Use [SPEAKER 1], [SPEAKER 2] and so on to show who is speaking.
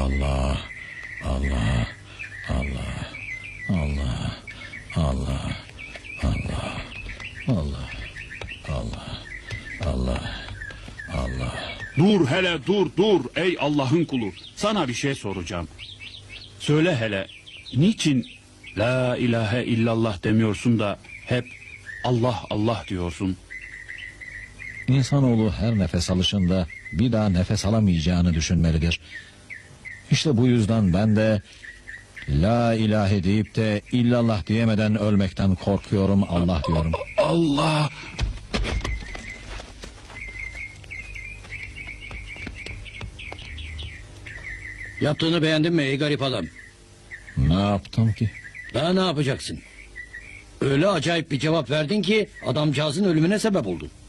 [SPEAKER 1] Allah, Allah, Allah, Allah, Allah, Allah, Allah, Allah, Allah, Allah.
[SPEAKER 2] Dur hele dur ey Allah'ın kulu. Sana bir şey soracağım. Söyle hele niçin la ilahe illallah demiyorsun da hep Allah Allah diyorsun?
[SPEAKER 1] İnsanoğlu her nefes alışında bir daha nefes alamayacağını düşünmelidir. İşte bu yüzden ben de la ilahe deyip de illallah diyemeden ölmekten korkuyorum, Allah diyorum.
[SPEAKER 2] Allah.
[SPEAKER 3] Yaptığını beğendin mi ey garip adam?
[SPEAKER 1] Ne yaptım ki?
[SPEAKER 3] Daha ne yapacaksın? Öyle acayip bir cevap verdin ki adamcağızın ölümüne sebep oldun.